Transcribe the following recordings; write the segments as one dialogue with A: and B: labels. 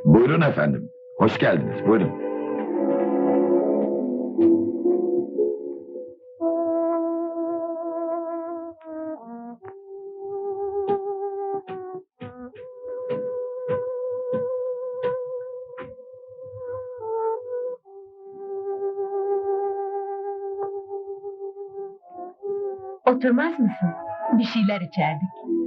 A: Buyurun efendim. Hoş geldiniz. Buyurun.
B: Oturmaz mısın? Bir şeyler içerdik.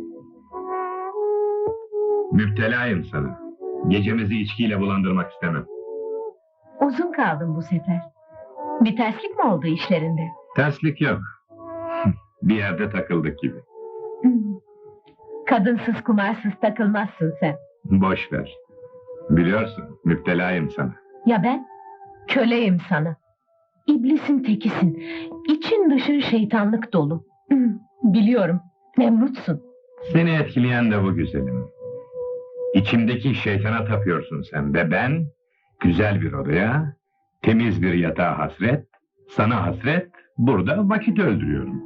C: Müptelayım sana. Gecemizi içkiyle bulandırmak istemem.
B: Uzun kaldın bu sefer. Bir terslik mi oldu işlerinde?
C: Terslik yok. Bir yerde takıldık gibi.
B: Kadınsız kumarsız takılmazsın sen.
C: Boş ver. Biliyorsun, müptelayım sana.
B: Ya ben? Köleyim sana. İblisin tekisin. İçin dışın şeytanlık dolu. Biliyorum, Nemrutsun.
C: Seni etkileyen de bu güzelim. İçimdeki şeytana tapıyorsun sen ve ben, güzel bir odaya, temiz bir yatağa hasret, sana hasret, burada vakit öldürüyorum.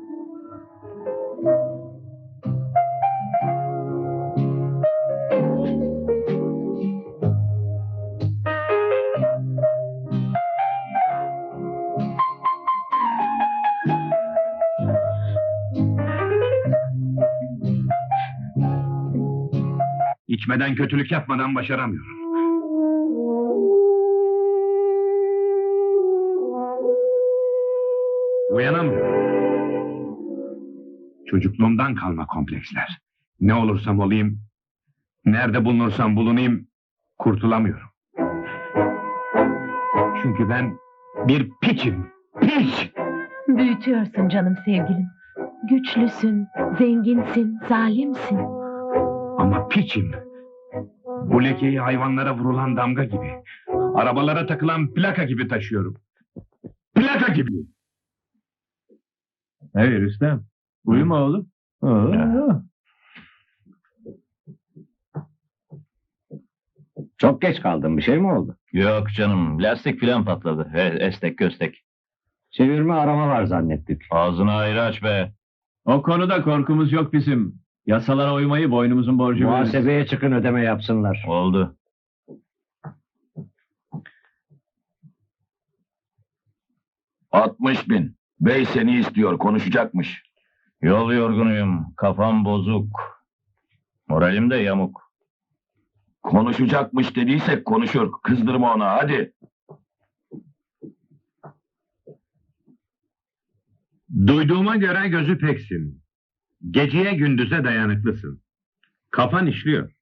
C: İçmeden, kötülük yapmadan başaramıyorum. Uyanamıyorum. Çocukluğumdan kalma kompleksler. Ne olursam olayım, nerede bulunursam bulunayım, kurtulamıyorum. Çünkü ben bir piçim, piç!
B: Büyütüyorsun canım sevgilim. Güçlüsün, zenginsin, zalimsin.
C: Ama piçim. Bu lekeyi hayvanlara vurulan damga gibi, arabalara takılan plaka gibi taşıyorum. Plaka gibi!
D: Hey Rüstem, uyuma oğlum.
E: Çok geç kaldın, bir şey mi oldu?
D: Yok canım, lastik filan patladı. Estek köstek.
E: Çevirme arama var zannettik.
D: Ağzını ayrı aç be. O konuda korkumuz yok bizim. Yasalara uymayı boynumuzun borcu biliriz.
E: Muhasebeye çıkın, ödeme yapsınlar.
D: Oldu.
A: ...60.000. Bey seni istiyor, konuşacakmış.
D: Yol yorgunuyum, kafam bozuk. Moralim de yamuk.
A: Konuşacakmış dediysek konuşur. Kızdırma ona, hadi.
C: Duyduğuma göre gözü peksin. Geceye gündüze dayanıklısın. Kafan işliyor.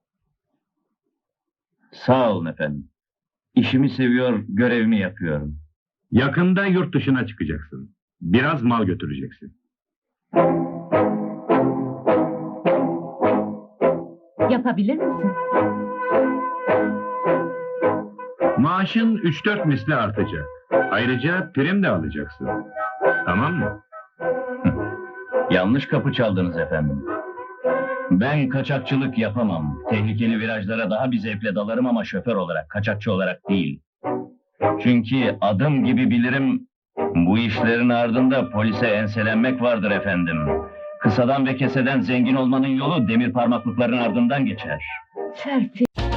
D: Sağ olun efendim. İşimi seviyor, görevimi yapıyorum.
C: Yakında yurt dışına çıkacaksın. Biraz mal götüreceksin.
B: Yapabilir misin?
C: Maaşın 3-4 misli artacak. Ayrıca prim de alacaksın. Tamam mı?
D: Yanlış kapı çaldınız efendim. Ben kaçakçılık yapamam. Tehlikeli virajlara daha bir zevkle dalarım ama şoför olarak, kaçakçı olarak değil. Çünkü adım gibi bilirim, bu işlerin ardında polise enselenmek vardır efendim. Kısadan ve keseden zengin olmanın yolu demir parmaklıkların ardından geçer.
B: Serpil.